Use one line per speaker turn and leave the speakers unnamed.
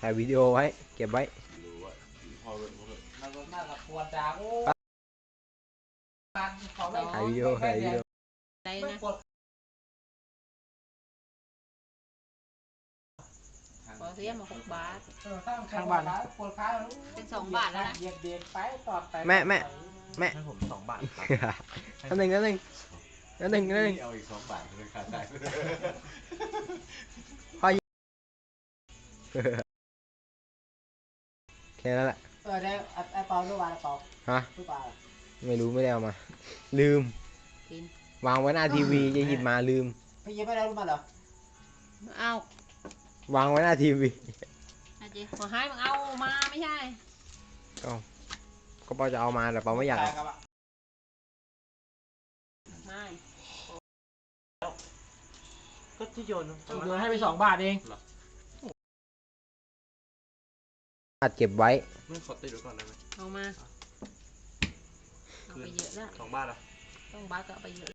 ถ่ายวิดีโอไว้เก็บไว้
มันน่าจะปวดจาก
ถ่ายวิดีโอถ่ายวิดีโอ
อะไรนะพอเสียมา6 บาท
ข้างบ้านปวดขา
เป็น2 บาทแล้วนะ
เด็กไปตอดไป
แม่
ให้ผม2 บาทครับ
นั่นหนึ่ง
เอาอีก2 บาทเป็นค่าจ่าย
แค่นั้นแหละ
ได้ไอ้เปาลูกบาลเปา
ฮะ
ลูกบาล
ไม่รู้ไม่ได้เอามาลืมวางไว้หน้าทีวีจะหยิบมาลืม
พี่ยิบไม่ได้ลูกบาลเหรอ
เอา
วางไว้หน้าทีวี
อาจีขอให้มึงเอามาไม่ใช่
ก็เปาจะเอามาแต่เปาไม่อยาก
ไม่
ก็ที่โยน
ให้ไป2 บาทเอง
อัดเก็บไว้
ไม่ขอติดไว้ก่อนได้ไหม
เอามาเอาไปเยอะแล้ว
2 บาทอ่ะ
2 บาทก็เอาไปเยอะ